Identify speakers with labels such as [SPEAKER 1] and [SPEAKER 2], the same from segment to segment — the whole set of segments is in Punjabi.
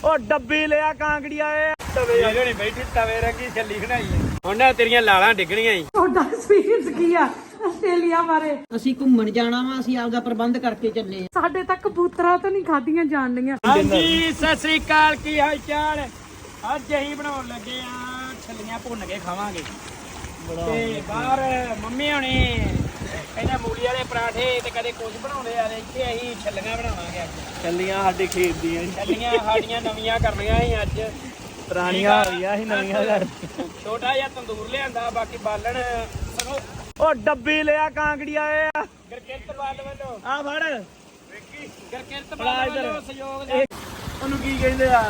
[SPEAKER 1] ਉਹ ਡੱਬੀ ਲਿਆ ਕਾਂਗੜੀਆ ਏ ਤਵੇ ਜਿਹੜੀ ਬੈਠੀ ਤਵੇ ਰੰਗੀ ਛੱਲੀ ਬਣਾਈ ਉਹਨਾਂ ਤੇਰੀਆਂ ਲਾਲਾਂ ਡਿੱਗਣੀਆਂ ਹੀ।
[SPEAKER 2] ਤੁਹਾਡਾ ਐਕਸਪੀਰੀਅੰਸ ਕੀ ਆ ਆਸਟ੍ਰੇਲੀਆ ਬਾਰੇ?
[SPEAKER 3] ਅਸੀਂ ਘੁੰਮਣ ਜਾਣਾ ਵਾ, ਅਸੀਂ ਆਪਦਾ ਪ੍ਰਬੰਧ ਕਰਕੇ ਚੱਲੇ ਆ।
[SPEAKER 2] ਸਾਡੇ ਤੱਕ ਕਬੂਤਰਾਂ ਤਾਂ ਨਹੀਂ ਖਾਧੀਆਂ ਜਾਣੀਆਂ।
[SPEAKER 1] ਹਾਂਜੀ ਸਤਿ ਸ੍ਰੀ ਅਕਾਲ, ਕੀ ਹਾਲ ਚਾਲ? ਅੱਜ ਅਸੀਂ ਬਣਾਉਣ ਲੱਗੇ ਆ ਛੱਲੀਆਂ ਭੁੰਨ ਕੇ ਖਾਵਾਂਗੇ ਤੇ ਬਾਹਰ ਮੰਮੀ ਹੋਣੀ ਕਹਿੰਦਾ ਮੂਲੀ ਵਾਲੇ ਪਰਾਠੇ ਤੇ ਕਦੇ ਕੁਝ ਬਣਾਉਂਦੇ ਆ, ਇੱਥੇ ਅਸੀਂ ਛੱਲੀਆਂ ਬਣਾਵਾਂਗੇ। ਅੱਜ
[SPEAKER 4] ਛੱਲੀਆਂ ਸਾਡੇ ਖੇਤ ਦੀਆਂ
[SPEAKER 1] ਛੱਲੀਆਂ ਸਾਡੀਆਂ ਨਵੀਆਂ ਕਰਨੀਆਂ ਸੀ, ਅੱਜ
[SPEAKER 4] ਪੁਰਾਣੀਆਂ ਹੋ ਗਈਆਂ ਸੀ, ਨਵੀਆਂ ਕਰ
[SPEAKER 1] ਛੋਟਾ ਜਿਹਾ ਤੰਦੂਰ ਲਿਆਂਦਾ, ਬਾਕੀ ਬਾਲਣ ਸਗੋਂ ਉਹ ਡੱਬੀ ਲਿਆ ਕਾਂਗੜੀਆ ਏ ਗਰਕਿਰਤ ਵੱਲੋਂ
[SPEAKER 4] ਆ ਫੜ
[SPEAKER 1] ਵੇਖੀ ਗਰਕਿਰਤ ਵੱਲੋਂ ਸਹਿਯੋਗ ਦੇ।
[SPEAKER 4] ਉਹਨੂੰ ਕੀ ਕਹਿੰਦੇ ਆ?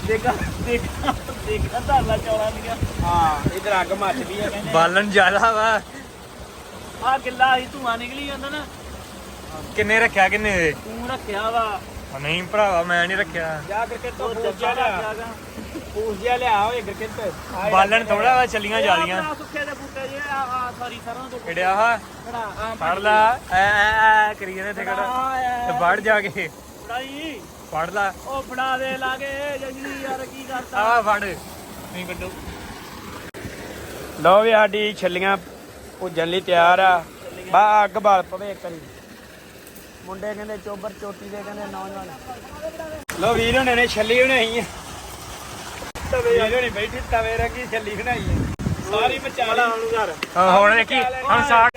[SPEAKER 4] ਦੇਖਾ ਧਾਲਾ ਚੌਲਾਂ ਦੀਆਂ।
[SPEAKER 1] ਹਾਂ ਇਧਰ ਅੱਗ ਮੱਚਦੀ ਆ ਕਹਿੰਦੇ
[SPEAKER 4] ਬਾਲਣ ਜ਼ਿਆਦਾ ਵਾ। ਆ ਗਿੱਲਾ ਹੀ ਧੂਆਂ ਨਿਕਲੀ ਜਾਂਦਾ ਨਾ।
[SPEAKER 5] ਕਿੰਨੇ ਰੱਖਿਆ ਕਿੰਨੇ ਦੇ?
[SPEAKER 4] ਤੂੰ ਰੱਖਿਆ ਵਾ।
[SPEAKER 5] ਨਹੀਂ ਭਰਾਵਾ ਮੈਂ ਨਹੀਂ ਰੱਖਿਆ।
[SPEAKER 1] ਜਾ ਗਰਕਿਰਤ ਤੋਂ ਪੂਜ ਜਿਹਾ ਲਿਆ ਹੋਏ ਗਰਕਿਰਤ।
[SPEAKER 5] ਬਾਲਣ ਥੋੜਾ ਵਾ, ਚੱਲੀਆਂ ਜ਼ਿਆਦੀਆਂ।
[SPEAKER 4] ਸੁੱਕੇ ਦੇ ਬੂਟੇ ਜੇ ਆ ਸਾਰੀ ਸਰੋਂ ਦੇ
[SPEAKER 5] ਕਿਹੜਿਆ ਹਾ
[SPEAKER 1] ਖੜਾ
[SPEAKER 5] ਫੜ ਲਾ ਐ ਕਰੀ ਜਾਂਦੇ ਇੱਥੇ ਖੜਾ ਤੇ ਵੜ ਜਾ ਕੇ
[SPEAKER 4] ਫੜਾਈ।
[SPEAKER 5] ਫੜ ਲਾ।
[SPEAKER 4] ਉਹ ਫੜਾ ਦੇ ਲਾਗੇ ਜੰਗਲੀ ਯਾਰ, ਕੀ ਕਰਤਾ?
[SPEAKER 5] ਆ ਫੜ ਨਹੀਂ ਕੱਢੋ।
[SPEAKER 1] ਲਓ ਵੀ ਸਾਡੀ ਛੱਲੀਆਂ ਭੁੱਜਣ ਲਈ ਤਿਆਰ ਆ। ਬਾ ਅੱਗ ਬਾਲ ਪਵੇ ਇੱਕ ਵਾਰੀ। ਮੁੰਡੇ ਕਹਿੰਦੇ ਚੋਬਰ ਚੋਟੀ ਦੇ ਕਹਿੰਦੇ ਨੌਜਵਾਨ। ਲਓ ਵੀਰ ਹੁਣੇ ਨੇ ਛੱਲੀ ਬਣਾਈ ਆ। ਤਵੇ ਜਿਹੜੀ ਬੈਠੀ ਤਵੇ ਰੰਗੀ ਛੱਲੀ ਬਣਾਈ ਆ, ਸਾਰੀ ਮਚਾਲਾ ਉਹਨੂੰ ਘਰ।
[SPEAKER 5] ਹੁਣ ਦੇਖੀ ਹੁਣ ਸਾਗ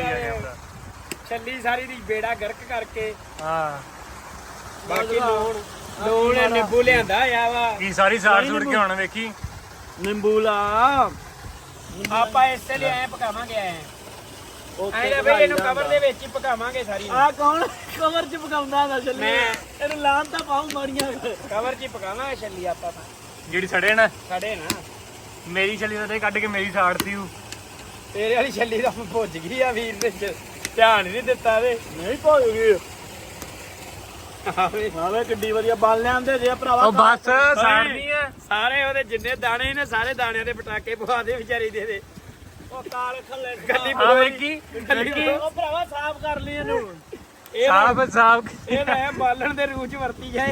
[SPEAKER 1] ਛੱਲੀ ਸਾਰੀ ਦੀ ਬੇੜਾ ਗਰਕ ਕਰਕੇ।
[SPEAKER 5] ਹਾਂ
[SPEAKER 1] ਬਾਕੀ ਲੂਣ ਨਿੰਬੂ ਲਿਆਂਦਾ ਆ ਵਾ।
[SPEAKER 5] ਕੀ ਸਾਰੀ ਸਾੜ ਸੁੜ ਕੇ ਹੁਣ ਵੇਖੀ।
[SPEAKER 4] ਨਿੰਬੂ ਲਾ।
[SPEAKER 1] ਆਪਾਂ ਇਸੇ ਲਈ ਐ ਪਕਾਵਾਂਗੇ ਐ ਬਈ ਇਹਨੂੰ ਕਵਰ ਦੇ ਵਿੱਚ ਹੀ ਪਕਾਵਾਂਗੇ ਸਾਰੀ।
[SPEAKER 4] ਆ ਕੌਣ ਕਵਰ ਚ ਪਕਾਉਂਦਾ ਦਾ ਛੱਲੀ?
[SPEAKER 1] ਮੈਂ।
[SPEAKER 4] ਇਹਨੂੰ ਲਾਣ ਤਾਂ ਪਾਉ ਮਾੜੀਆਂ।
[SPEAKER 1] ਕਵਰ 'ਚ ਹੀ ਪਕਾਵਾਂਗੇ ਛੱਲੀ ਆਪਾਂ ਤਾਂ।
[SPEAKER 5] ਜਿਹੜੀ ਸੜੇ ਨਾ
[SPEAKER 1] ਸਾਡੇ ਨਾ
[SPEAKER 5] ਮੇਰੀ ਛੱਲੀ ਤੇ ਕੱਢ ਕੇ ਮੇਰੀ ਸਾੜਤੀ ਉਹ।
[SPEAKER 1] ਤੇਰੇ ਵਾਲੀ ਛੱਲੀ ਤਾਂ ਭੁੱਜ ਗਈ ਆ ਵੀਰ ਨੇ, ਧਿਆਨ ਹੀ ਨਹੀਂ ਦਿੱਤਾ ਇਹਦੇ।
[SPEAKER 4] ਨਹੀਂ ਭੁੱਜ ਗਈ। ਆਵੇ ਕਿੱਡੀ ਵਧੀਆ ਬਾਲ ਲਿਆਂਦੇ ਜੇ ਭਰਾਵਾ।
[SPEAKER 5] ਉਹ ਬਸ ਸਾੜਨੀ ਐ।
[SPEAKER 1] ਸਾਰੇ ਉਹਦੇ ਜਿੰਨੇ ਦਾਣੇ ਨੇ ਸਾਰੇ ਦਾਣਿਆਂ ਦੇ ਪਟਾਕੇ ਪਵਾ ਦੇ ਵਿਚਾਰੀ ਦੇ।
[SPEAKER 4] ਉਹ ਕਾਲ ਖੱਲੇ
[SPEAKER 1] ਗੱਡੀ
[SPEAKER 5] ਆ ਵੇਖੀ
[SPEAKER 4] ਉਹ ਭਰਾਵਾ ਸਾਫ਼ ਕਰ ਲਈ ਇਹਨੂੰ।
[SPEAKER 5] ਸਾਫ
[SPEAKER 1] ਇਹ ਮੈਂ ਬਾਲਣ ਦੇ ਰੂਹ ਚ ਵਰਤੀ ਜਾਏ।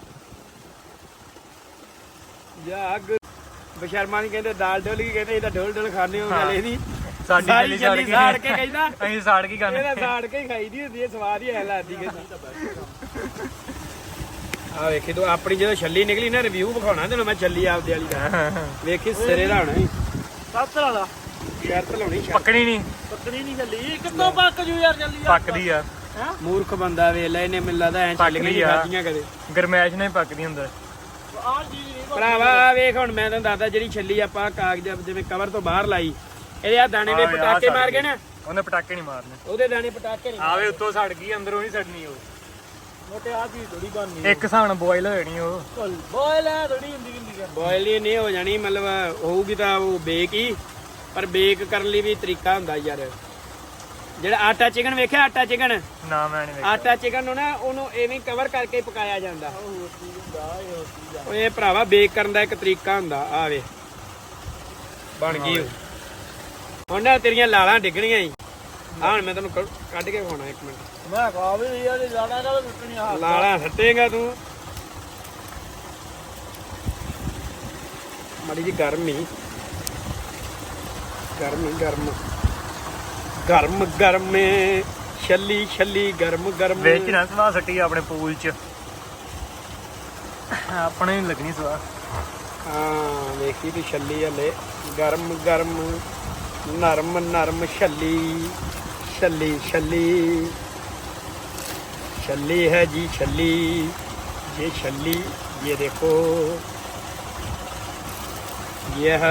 [SPEAKER 1] ਜਾਗ ਬਸ਼ਰਮਾ ਨਹੀਂ ਕਹਿੰਦੇ ਦਾਲ ਡੋਲ ਕੀ ਕਹਿੰਦੇ, ਇਹਦਾ ਡੋਲ ਡੋਲ ਖਾਣੇ ਹੋ ਗੱਲ ਇਹਦੀ।
[SPEAKER 5] ਸਾਡੀ
[SPEAKER 1] ਸਾਰੀ
[SPEAKER 5] ਛੱਲੀ
[SPEAKER 1] ਛੱਲੀ ਸਾੜ ਕੇ ਕਹਿੰਦਾ
[SPEAKER 5] ਅਸੀਂ ਸਾੜ ਕੇ ਖਾਣੇ।
[SPEAKER 1] ਇਹਦਾ ਸਾੜ ਕੇ ਹੀ ਖਾਈ ਦੀ ਹੁੰਦੀ ਹੈ, ਸਵਾਦ ਹੀ ਐ ਲੱਗਦੀ ਆ। ਵੇਖੀ ਤੂੰ ਆਪਣੀ ਜਦੋਂ ਛੱਲੀ ਨਿਕਲੀ ਨਾ, ਰਿਵਿਊ ਵਿਖਾਉਣਾ ਤੈਨੂੰ ਮੈਂ ਛੱਲੀ ਆਪਦੇ ਵਾਲੀ ਦਾ। ਵੇਖੀ ਸਿਰੇ ਦਾ ਹੋਣਾ
[SPEAKER 4] ਸੱਤ ਵਾਲਾ
[SPEAKER 1] ਸ਼ਰਤ ਲਾਉਣੀ
[SPEAKER 5] ਪੱਕਣੀ ਨਹੀਂ।
[SPEAKER 4] ਪੱਕਣੀ ਨਹੀਂ ਛੱਲੀ। ਕਿੱਥੋਂ ਪੱਕ ਜੂ ਯਾਰ ਛੱਲੀ?
[SPEAKER 5] ਪੱਕਦੀ ਆ।
[SPEAKER 1] ਮੂਰਖ ਬੰਦਾ ਵੇਖ ਲੈ, ਇਹਨੇ ਮੈਨੂੰ ਲੱਗਦਾ ਐ
[SPEAKER 5] ਪੱਕਦੀ ਆ।
[SPEAKER 1] ਖਾਧੀਆਂ ਕਦੇ
[SPEAKER 5] ਗਰਮੈਸ਼ ਨਹੀਂ ਪੱਕਦੀ ਹੁੰਦਾ।
[SPEAKER 4] ਆਹ ਜੀ ਨਹੀਂ
[SPEAKER 1] ਭਰਾਵਾ ਵੇਖ ਹੁਣ ਮੈਂ ਤੈਨੂੰ ਦੱਸਦਾ, ਜਿਹੜੀ ਛੱਲੀ ਆਪਾਂ ਕਾਗਜ਼ ਜਿਵੇਂ ਕਵਰ ਤੋਂ ਬਾਹਰ ਲਾਈ, ਇਹਦੇ ਆ ਦਾਣੇ ਦੇ ਪਟਾਕੇ ਮਾਰ ਗਏ ਨਾ,
[SPEAKER 5] ਉਹਨੇ ਪਟਾਕੇ ਨਹੀਂ ਮਾਰਨੇ।
[SPEAKER 1] ਉਹਦੇ ਦਾਣੇ ਪਟਾਕੇ ਨਹੀਂ
[SPEAKER 5] ਆਵੇ ਉੱਤੋਂ ਸੜ ਗਈ, ਅੰਦਰੋਂ ਨਹੀਂ ਸੜਨੀ ਉਹ।
[SPEAKER 4] ਮੋਟੇ ਆ ਚੀਜ਼ ਥੋੜੀ ਬਣਨੀ।
[SPEAKER 5] ਇੱਕ ਹਿਸਾਬ ਨਾਲ ਬੋਇਲ ਹੋ ਜਾਣੀ ਉਹ।
[SPEAKER 4] ਬੋਇਲ ਹੈ ਥੋੜੀ ਹੁੰਦੀ ਕਿੰਦੀ।
[SPEAKER 1] ਬੋਇਲ ਹੀ ਨਹੀਂ ਹੋ ਜਾਣੀ, ਮਤਲਬ ਹੋਊਗੀ ਤਾਂ ਉਹ ਬੇਕ ਹੀ। ਪਰ ਬੇਕ ਕਰਨ ਲਈ ਵੀ ਤਰੀਕਾ ਹੁੰਦਾ ਯਾਰ। ਜਿਹੜਾ ਆਟਾ ਚਿਕਨ ਵੇਖਿਆ, ਆਟਾ ਚਿਕਨ,
[SPEAKER 5] ਨਾ ਮੈਂ ਨਹੀਂ ਵੇਖਿਆ।
[SPEAKER 1] ਆਟਾ ਚਿਕਨ ਨੂੰ ਨਾ ਉਹਨੂੰ ਐਵੇਂ ਕਵਰ ਕਰਕੇ ਪਕਾਇਆ ਜਾਂਦਾ। ਇਹ ਭਰਾਵਾ ਬੇਕ ਕਰਨ ਦਾ ਇੱਕ ਤਰੀਕਾ ਹੁੰਦਾ। ਆ ਵੇ ਬਣ ਗਈ ਹੁਣ ਨਾ, ਤੇਰੀਆਂ ਲਾਲਾਂ ਡਿੱਗਣੀਆਂ ਹੀ। ਆ ਹੁਣ ਮੈਂ ਤੈਨੂੰ ਕੱਢ ਕੇ ਵਿਖਾਉਣਾ ਇੱਕ ਮਿੰਟ।
[SPEAKER 4] ਮੈਂ ਖਾ ਵੀ ਲਈ ਆ ਤੇ ਜਾਣਾ ਕਾ ਟੁੱਟਣੀ ਆ।
[SPEAKER 1] ਲਾਲਾਂ ਸੱਟੇਗਾ ਤੂੰ। ਮਾੜੀ ਜੀ ਗਰਮ ਹੀ ਗਰਮ ਛੱਲੀ ਗਰਮ
[SPEAKER 5] ਵੇਚ ਨਾ ਸਵਾ ਸੱਟੀ ਆਪਣੇ ਪੂਲ ਚ। ਆਪਣੇ ਨਹੀਂ ਲੱਗਣੀ ਸਵਾ।
[SPEAKER 1] ਹਾਂ ਵੇਖੀ ਤੂੰ ਛੱਲੀ ਹਲੇ ਗਰਮ ਨਰਮ ਛੱਲੀ है जी छल्ली। ये छल्ली ये देखो, ये है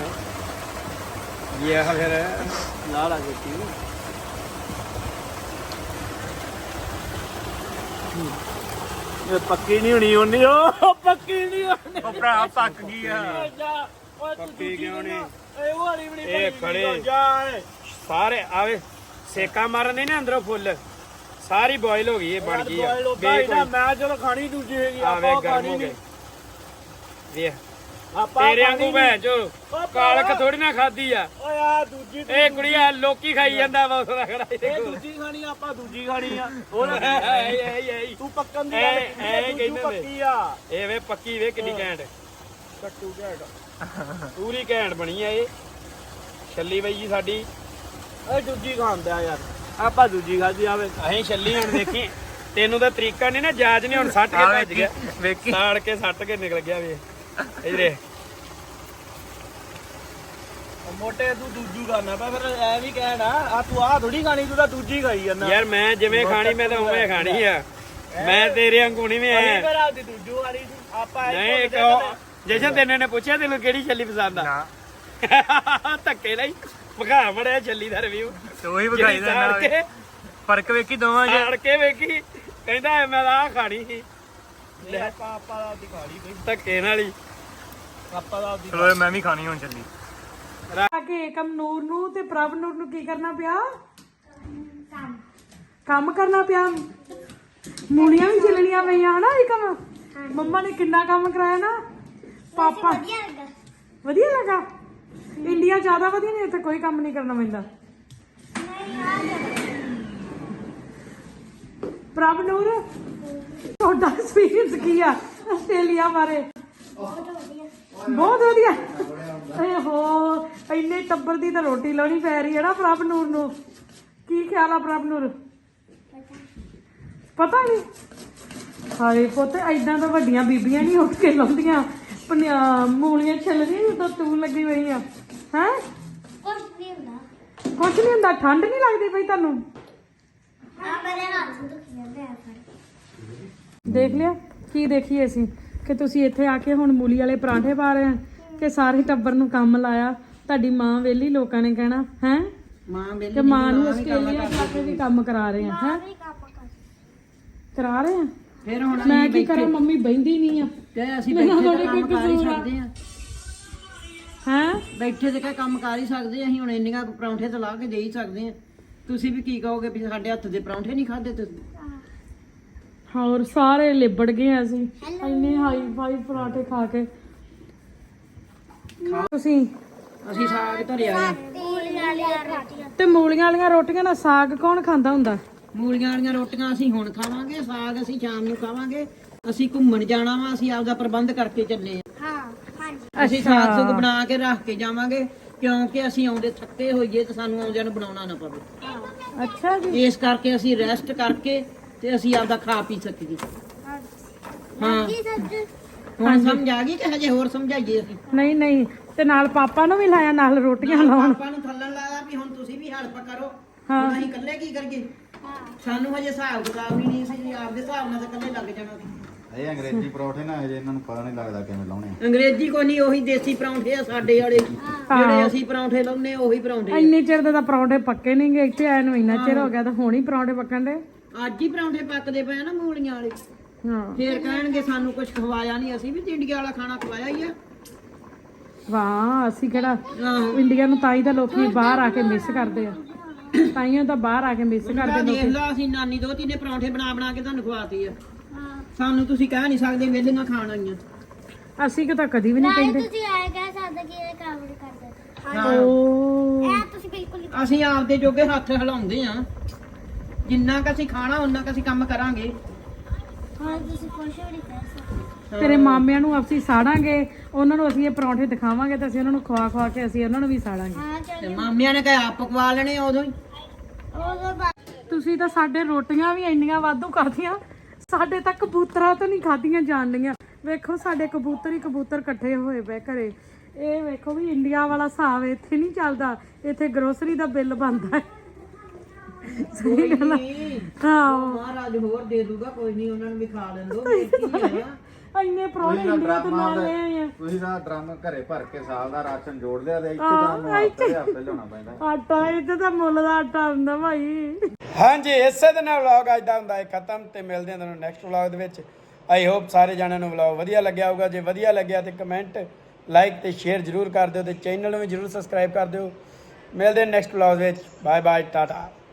[SPEAKER 1] फिर
[SPEAKER 4] ਲਾਲਾ ਜੱਟੀ ਇਹ ਪੱਕੀ ਨਹੀਂ ਹੋਣੀ ਉਹਨੀ। ਉਹ ਪੱਕੀ ਨਹੀਂ ਹੋਣੀ।
[SPEAKER 5] ਉਹ ਭਰਾ ਪੱਕ ਗਈ ਆ।
[SPEAKER 1] ਪੱਕੀ ਕਿਉਂ ਨਹੀਂ?
[SPEAKER 4] ਇਹ ਵਾਲੀ ਬਣੀ
[SPEAKER 1] ਇਹ ਖੜੇ ਸਾਰੇ ਆਵੇ ਸੇਕਾ ਮਾਰਨ ਨਾ ਅੰਦਰੋਂ ਫੁੱਲ ਸਾਰੀ ਬੋਇਲ ਹੋ ਗਈ। ਇਹ ਬਣ ਗਈ ਆ।
[SPEAKER 4] ਮੈਂ ਚਲੋ ਖਾਣੀ ਦੂਜੀ ਹੈਗੀ।
[SPEAKER 1] ਆਵੇ
[SPEAKER 4] ਆਪਾਂ
[SPEAKER 1] ਗਰਮ
[SPEAKER 4] ਖਾਣੀ
[SPEAKER 1] ਹੋ ਗਏ।
[SPEAKER 4] ਨਹੀਂ।
[SPEAKER 1] ਵੇਖ ਤੇਰੇ ਵਾਂਗੂ ਭੈਣ ਚੋ ਕਾਲਕ ਥੋੜੀ ਨਾ ਖਾਦੀ ਆ।
[SPEAKER 4] ਓਏ ਆ ਦੂਜੀ
[SPEAKER 1] ਇਹ ਕੁੜੀਆ ਲੋਕੀ ਖਾਈ ਜਾਂਦਾ ਵਾ ਉਹਦਾ ਖੜਾ
[SPEAKER 4] ਇਹ ਦੂਜੀ ਖਾਣੀ ਆ, ਆਪਾਂ ਦੂਜੀ ਖਾਣੀ ਆ।
[SPEAKER 1] ਹੋਰ
[SPEAKER 4] ਤੂੰ ਪੱਕਣ ਦੀ
[SPEAKER 1] ਐ
[SPEAKER 4] ਕਹਿੰਦੇ ਪੱਕੀ ਆ।
[SPEAKER 1] ਇਹ ਵੇ ਪੱਕੀ ਵੇ ਕਿੰਨੀ ਘੈਂਟ
[SPEAKER 4] ਕੱਟੂ ਘੈਂਟ
[SPEAKER 1] ਪੂਰੀ ਘੈਂਟ ਬਣੀ ਆ ਇਹ ਛੱਲੀ ਬਾਈ ਜੀ ਸਾਡੀ।
[SPEAKER 4] ਓਏ ਦੂਜੀ ਖਾਂਦੇ ਆ ਯਾਰ, ਆਪਾਂ ਦੂਜੀ ਖਾਦੀ ਆਵੇ।
[SPEAKER 1] ਅਸੀਂ ਛੱਲੀ ਹੁਣ ਦੇਖੀ ਤੈਨੂੰ ਤਾਂ ਤਰੀਕਾ ਨਹੀਂ ਨਾ ਜਾਜ ਨਹੀਂ ਹੁਣ ਸੱਟ ਕੇ ਭੱਜ ਗਿਆ ਵੇਖੀ ਸਾੜ ਕੇ ਸੱਟ ਕੇ ਨਿਕਲ ਗਿਆ ਵੇ ਇਧਰੇ
[SPEAKER 4] ਮੋਟੇ ਤੂੰ ਦੂਜੀ ਖਾਣਾ ਪਾ ਫਿਰ ਐ ਵੀ ਕਹਿਣਾ ਆ ਤੂੰ ਆ ਥੋੜੀ ਖਾਣੀ, ਤੂੰ ਤਾਂ ਦੂਜੀ ਖਾਈ ਜਾਂਦਾ
[SPEAKER 1] ਯਾਰ ਮੈਂ ਜਿਵੇਂ ਖਾਣੀ ਮੈਂ ਤਾਂ ਉਵੇਂ ਖਾਣੀ ਆ। ਮੈਂ ਤੇਰੇ ਵਾਂਗੂ ਨਹੀਂ ਮੈਂ
[SPEAKER 4] ਫਿਰ ਆਪਦੀ ਦੂਜੂ ਵਾਲੀ ਸੀ ਆਪਾਂ
[SPEAKER 1] ਨਹੀਂ ਇੱਕ ਜਸ਼ਨ ਤੈਨੂੰ ਨੇ ਪੁੱਛਿਆ ਤੈਨੂੰ ਕਿਹੜੀ ਛੱਲੀ ਪਸੰਦ ਆ ਧੱਕੇ ਲਈ ਵਿਖਾ ਮੜਿਆ ਛੱਲੀ ਦਾ ਰਿਵਿਊ
[SPEAKER 5] ਤੂੰ ਹੀ ਵਿਖਾਈ
[SPEAKER 1] ਸਾੜ ਕੇ
[SPEAKER 5] ਫਰਕ ਵੇਖੀ ਦੋਵਾਂ ਚ।
[SPEAKER 1] ਆੜ ਕੇ ਵੇਖੀ ਕਹਿੰਦਾ ਮੈਂ ਤਾਂ ਆਹ ਖਾਣੀ ਸੀ
[SPEAKER 4] ਆਪਾਂ ਦਾ ਆਪਦੀ ਖਾ ਲਈ ਬਈ,
[SPEAKER 1] ਧੱਕੇ ਨਾਲ ਹੀ।
[SPEAKER 4] ਆਪਾਂ ਦਾ ਆਪਦੀ
[SPEAKER 5] ਚਲੋ ਮੈਂ ਵੀ ਖਾਣੀ ਹੁਣ ਚੱਲੀ।
[SPEAKER 2] ਆ ਕੇ ਏਕਮ ਨੂਰ ਨੂੰ ਤੇ ਪ੍ਰਭ ਨੂਰ ਨੂੰ ਕੀ ਕਰਨਾ ਪਿਆ? ਕੰਮ ਕਰਨਾ ਪਿਆ। ਮੂਲੀਆਂ ਵੀ ਛਿਲਣੀਆਂ ਪਈਆਂ ਹਨਾ ਏਕਮ? ਮੰਮਾ ਨੇ ਕਿੰਨਾ ਕੰਮ ਕਰਾਇਆ ਨਾ ਪਾਪਾ। ਵਧੀਆ ਲੱਗਾ? ਇੰਡੀਆ ਜ਼ਿਆਦਾ ਵਧੀਆ ਨਹੀਂ, ਇੱਥੇ ਕੋਈ ਕੰਮ ਨਹੀਂ ਕਰਨਾ ਪੈਂਦਾ। ਪ੍ਰਭ ਨੂਰ ਤੁਹਾਡਾ ਐਕਸਪੀਰੀਅੰਸ ਕੀ ਆ ਆਸਟ੍ਰੇਲੀਆ ਬਾਰੇ? ਬਹੁਤ ਵਧੀਆ। ਏ ਹੋ ਇੰਨੇ ਟੱਬਰ ਦੀ ਤਾਂ ਰੋਟੀ ਲਾਉਣੀ ਪੈ ਰਹੀ ਹੈ ਨਾ ਪ੍ਰਭ ਨੂਰ ਨੂੰ। ਕੀ ਖਿਆਲ ਆ ਪ੍ਰਭ ਨੂਰ? ਪਤਾ ਨਹੀਂ। ਹਾਏ ਪੁੱਤ ਏਦਾਂ ਤਾਂ ਵੱਡੀਆਂ ਬੀਬੀਆਂ ਨਹੀਂ ਉੱਠ ਕੇ ਲਾਉਂਦੀਆਂ ਮੂਲੀਆਂ ਛਿੱਲਦੀਆਂ ਜਦੋਂ ਤੂੰ ਲੱਗੀ ਹੋਈ ਆ। ਹੈ ਕੁਛ ਨਹੀਂ ਹੁੰਦਾ। ਠੰਡ ਨਹੀਂ ਲੱਗਦੀ ਪਈ ਤੁਹਾਨੂੰ? ਦੇਖ ਲਿਆ ਕੀ ਦੇਖੀਏ ਅਸੀਂ ਕਿ ਤੁਸੀਂ ਇੱਥੇ ਆ ਕੇ ਹੁਣ ਮੂਲੀ ਵਾਲੇ ਪਰਾਂਠੇ ਪਾ ਰਹੇ ਆ ਕਿ ਸਾਰੇ ਟੱਬਰ ਨੂੰ ਕੰਮ ਲਾਇਆ। ਤੁਹਾਡੀ ਮਾਂ ਵੇਲੀ ਲੋਕਾਂ ਨੇ ਕਹਿਣਾ ਹੈ
[SPEAKER 3] ਮਾਂ ਵੇਲੇ
[SPEAKER 2] ਕਿ ਮਾਂ ਨੂੰ ਆਸਟ੍ਰੇਲੀਆ ਜਾ ਕੇ ਵੀ ਕੰਮ ਕਰਾ ਰਹੇ ਆ। ਹੈ ਕਰਾ ਰਹੇ ਆ।
[SPEAKER 3] ਫਿਰ ਹੁਣ
[SPEAKER 2] ਮੈਂ ਕੀ ਕਰਾਂ? ਮੰਮੀ ਬਹਿੰਦੀ ਨਹੀਂ ਆ
[SPEAKER 3] ਤੇ ਅਸੀਂ ਬੈਠੇ ਤੇ ਕੰਮ ਕਰ ਹੀ ਸਕਦੇ ਆ।
[SPEAKER 2] ਹੈ
[SPEAKER 3] ਬੈਠੇ ਤੇ ਕੰਮ ਕਰ ਹੀ ਸਕਦੇ ਆ। ਅਸੀਂ ਹੁਣ ਇੰਨੀਆਂ ਪਰੌਂਠੇ ਤਾਂ ਲਾ ਕੇ ਦੇ ਹੀ ਸਕਦੇ ਆ। ਤੁਸੀਂ ਵੀ ਕੀ ਕਹੋਗੇ ਵੀ ਸਾਡੇ ਹੱਥ ਦੇ ਪਰੌਂਠੇ ਨਹੀਂ ਖਾਦੇ ਤੁਸੀਂ?
[SPEAKER 2] ਹੋਰ ਸਾਰੇ ਲਿਬੜ ਗਏ ਅਸੀਂ ਇੰਨੇ ਹਾਈ ਫਾਈ ਪਰਾਂਠੇ ਖਾ ਕੇ। ਤੁਸੀਂ
[SPEAKER 3] ਅਸੀਂ ਸਾਗ ਧਰਿਆ ਆ।
[SPEAKER 2] ਤੇ ਮੂਲੀਆਂ ਵਾਲੀਆਂ ਰੋਟੀਆਂ ਨਾਲ ਸਾਗ ਕੌਣ ਖਾਂਦਾ ਹੁੰਦਾ?
[SPEAKER 3] ਮੂਲੀਆਂ ਵਾਲੀਆਂ ਰੋਟੀਆਂ ਅਸੀਂ ਹੁਣ ਖਾਵਾਂਗੇ, ਸਾਗ ਅਸੀਂ ਸ਼ਾਮ ਨੂੰ ਖਾਵਾਂਗੇ। ਅਸੀਂ ਘੁੰਮਣ ਜਾਣਾ ਵਾ, ਅਸੀਂ ਆਪਦਾ ਪ੍ਰਬੰਧ ਕਰਕੇ ਚੱਲੇ ਆ। ਅਸੀਂ ਸਾਗ ਸੁਗ ਬਣਾ ਕੇ ਰੱਖ ਕੇ ਜਾਵਾਂਗੇ ਕਿਉਂਕਿ ਅਸੀਂ ਆਉਂਦੇ ਥੱਕੇ ਹੋਈਏ ਤੇ ਸਾਨੂੰ ਆਉਂਦਿਆਂ ਨੂੰ ਬਣਾਉਣਾ ਨਾ ਪਵੇ।
[SPEAKER 2] ਅੱਛਾ ਜੀ।
[SPEAKER 3] ਇਸ ਕਰਕੇ ਅਸੀਂ ਰੈਸਟ ਕਰਕੇ ਤੇ ਅਸੀਂ ਆਪਦਾ ਖਾ ਪੀ ਸਕੀਏ। ਹਾਂ ਹੁਣ ਸਮਝ ਆ ਗਈ ਕਿ ਹਜੇ ਹੋਰ ਸਮਝਾਈਏ ਅਸੀਂ?
[SPEAKER 2] ਨਹੀਂ ਨਹੀਂ ਤੇ ਨਾਲ ਪਾਪਾ ਨੂੰ ਵੀ ਲਾਇਆ ਨਾਲ ਰੋਟੀਆਂ ਲਾਉਣ।
[SPEAKER 3] ਆਪਾਂ ਨੂੰ ਥੱਲਣ ਲਾਇਆ ਵੀ ਹੁਣ ਤੁਸੀਂ ਵੀ ਹੈਲਪ ਕਰੋ। ਹੁਣ ਅਸੀਂ ਇਕੱਲੇ ਕੀ ਕਰੀਏ? ਸਾਨੂੰ ਹਜੇ ਹਿਸਾਬ ਕਿਤਾਬ ਵੀ ਨਹੀਂ ਸੀ। ਆਪਦੇ ਹਿਸਾਬ ਨਾਲ ਤਾਂ ਇਕੱਲੇ ਲੱਗ ਜਾਣਾ ਸੀ।
[SPEAKER 6] ਇਹ ਅੰਗਰੇਜ਼ੀ ਪਰੌਠੇ ਨਾ ਹਜੇ ਇਹਨਾਂ ਨੂੰ ਪਤਾ ਨਹੀਂ ਲੱਗਦਾ ਕਿਵੇਂ ਲਾਉਣੇ ਆ।
[SPEAKER 3] ਅੰਗਰੇਜ਼ੀ ਕੋਈ ਨਹੀਂ, ਉਹੀ ਦੇਸੀ ਪਰੌਂਠੇ ਆ ਸਾਡੇ ਵਾਲੇ ਜਿਹੜੇ ਅਸੀਂ ਪਰੌਂਠੇ ਲਾਉਂਦੇ ਉਹੀ ਪਰੌਂਠੇ ਆ।
[SPEAKER 2] ਇੰਨੇ ਚਿਰ ਦੇ ਤਾਂ ਪਰੌਂਠੇ ਪੱਕੇ ਨਹੀਂ ਗਏ ਇੱਥੇ ਆਏ ਨੂੰ। ਇੰਨਾ ਚਿਰ ਹੋ ਗਿਆ ਤਾਂ ਹੁਣ ਹੀ ਪਰੌਂਠੇ ਪੱਕਣ ਦੇ।
[SPEAKER 3] ਅੱਜ ਹੀ ਪਰੌਂਠੇ ਪੱਕਦੇ ਪਏ ਆ ਨਾ ਮੂਲੀਆਂ ਵਾਲੇ।
[SPEAKER 2] ਹਾਂ
[SPEAKER 3] ਫੇਰ ਕਹਿਣਗੇ ਸਾਨੂੰ ਕੁਝ ਖਵਾਇਆ ਨਹੀਂ। ਅਸੀਂ ਵੀ ਇੰਡੀਆ ਵਾਲਾ ਖਾਣਾ ਖਵਾਇਆ ਹੀ ਆ।
[SPEAKER 2] ਵਾਹ ਅਸੀਂ ਕਿਹੜਾ
[SPEAKER 3] ਆਹੋ
[SPEAKER 2] ਇੰਡੀਆ ਨੂੰ ਤਾਂ ਹੀ ਤਾਂ ਲੋਕੀ ਬਾਹਰ ਆ ਕੇ ਮਿਸ ਕਰਦੇ ਆ। ਤਾਈਓ ਤਾਂ ਬਾਹਰ ਆ ਕੇ ਮਿਸ ਕਰਦੇ
[SPEAKER 3] ਦੇਖ ਲਾ ਅਸੀਂ ਨਾਨੀ ਦੋਤੀ ਨੇ ਪਰੌਂਠੇ ਬਣਾ ਬਣਾ ਕੇ ਤੁਹਾਨੂੰ ਖਵਾਤੀ ਆ। ਸਾਨੂੰ ਤੁਸੀਂ ਕਹਿ ਨਹੀਂ ਸਕਦੇ ਵੇਲੇ ਨਾ ਖਾਣ ਆਈਆਂ।
[SPEAKER 2] ਅਸੀਂ ਕਿ ਤਾਂ ਕਦੀ ਵੀ ਨਹੀਂ ਕਹਿੰਦੇ।
[SPEAKER 7] ਤੁਸੀਂ ਆਏ ਕਹਿ ਸਕਦੇ ਕਿ ਇਹ ਕੰਮ ਨਹੀਂ ਕਰਦੇ।
[SPEAKER 2] ਓ
[SPEAKER 7] ਇਹ ਤੁਸੀਂ ਬਿਲਕੁਲ ਨਹੀਂ।
[SPEAKER 3] ਅਸੀਂ ਆਪਦੇ ਜੋਗੇ ਹੱਥ ਹਿਲਾਉਂਦੇ ਆ। ਜਿੰਨਾ ਕ ਅਸੀਂ ਖਾਣਾ ਉਹਨਾਂ ਕ ਅਸੀਂ ਕੰਮ ਕਰਾਂਗੇ।
[SPEAKER 7] ਹਾਂ ਤੁਸੀਂ ਕੁਝ ਵੀ ਨਹੀਂ ਕਹਿ ਸਕਦੇ।
[SPEAKER 2] ਤੇਰੇ ਮਾਮਿਆਂ ਨੂੰ ਅਸੀਂ ਸਾੜਾਂਗੇ, ਉਹਨਾਂ ਨੂੰ ਅਸੀਂ ਇਹ ਪਰੌਂਠੇ ਦਿਖਾਵਾਂਗੇ ਤੇ ਅਸੀਂ ਉਹਨਾਂ ਨੂੰ ਖਵਾ ਖਵਾ ਕੇ ਅਸੀਂ ਉਹਨਾਂ ਨੂੰ ਵੀ ਸਾੜਾਂਗੇ।
[SPEAKER 7] ਹਾਂ
[SPEAKER 3] ਤੇ
[SPEAKER 7] ਚਲੋ
[SPEAKER 3] ਮਾਮਿਆਂ ਨੇ ਕਹਿਆ ਆਪ ਪਕਵਾ ਲੈਣੇ ਉਦੋਂ ਹੀ।
[SPEAKER 7] ਉਦੋਂ ਬਾਅਦ
[SPEAKER 2] ਤੁਸੀਂ ਤਾਂ ਸਾਡੇ ਰੋਟੀਆਂ ਵੀ ਇੰਨੀਆਂ ਵਾਧੂ ਕਰਦੀਆਂ, ਸਾਡੇ ਤਾਂ ਕਬੂਤਰਾਂ ਤੋਂ ਨਹੀਂ ਖਾਧੀਆਂ ਜਾਣਦੀਆਂ। ਵੇਖੋ ਸਾਡੇ ਕਬੂਤਰ ਹੀ ਕਬੂਤਰ ਇਕੱਠੇ ਹੋਏ ਪਏ ਘਰੇ। ਇਹ ਵੇਖੋ ਵੀ ਇੰਡੀਆ ਵਾਲਾ ਹਿਸਾਬ ਇੱਥੇ ਨਹੀਂ ਚੱਲਦਾ। ਇੱਥੇ ਗਰੋਸਰੀ ਦਾ ਬਿੱਲ ਬਣਦਾ ਹੈ। ਸਹੀ ਗੱਲ ਆ। ਹਾਂ
[SPEAKER 3] ਮਹਾਰਾਜ ਹੋਰ ਦੇ ਦੂਗਾ, ਕੋਈ ਨਹੀਂ ਉਹਨਾਂ ਨੂੰ ਵੀ ਖਾ ਲੈਂਦੋ।
[SPEAKER 2] ਇੰਨੇ ਪਰੌਂਠੇ ਇੰਡੀਆ ਤੋਂ ਨਾਲ ਲੈ ਆਏ ਆ।
[SPEAKER 6] ਤੁਸੀਂ ਤਾਂ ਡਰਮ ਘਰੇ ਭਰ ਕੇ ਸਾਲ ਦਾ ਰਾਸ਼ਨ ਜੋੜ ਲਿਆ ਤੇ ਇੱਥੇ ਤਾਂ ਹਫ਼ਤੇ ਲਿਆਉਣਾ ਪੈਂਦਾ।
[SPEAKER 2] ਆਟਾ ਇੱਥੇ ਤਾਂ ਮੁੱਲ ਦਾ ਆਟਾ ਹੁੰਦਾ ਭਾਈ।
[SPEAKER 1] ਹਾਂਜੀ ਇਸੇ ਦੇ ਨਾਲ ਵਲੌਗ ਅੱਜ ਦਾ ਹੁੰਦਾ ਹੈ ਖਤਮ ਤੇ ਮਿਲਦੇ ਹਾਂ ਤੁਹਾਨੂੰ ਨੈਕਸਟ ਵਲੌਗ ਦੇ ਵਿੱਚ। ਆਈ ਹੋਪ ਸਾਰੇ ਜਣਿਆਂ ਨੂੰ ਵਲੌਗ ਵਧੀਆ ਲੱਗਿਆ ਹੋਊਗਾ। ਜੇ ਵਧੀਆ ਲੱਗਿਆ ਤੇ ਕਮੈਂਟ ਲਾਈਕ ਤੇ ਸ਼ੇਅਰ ਜ਼ਰੂਰ ਕਰ ਦਿਓ ਤੇ ਚੈਨਲ ਨੂੰ ਵੀ ਜ਼ਰੂਰ ਸਬਸਕ੍ਰਾਈਬ ਕਰ ਦਿਓ। ਮਿਲਦੇ ਹਾਂ ਨੈਕਸਟ ਵਲੌਗ ਵਿੱਚ। Bye bye Tata.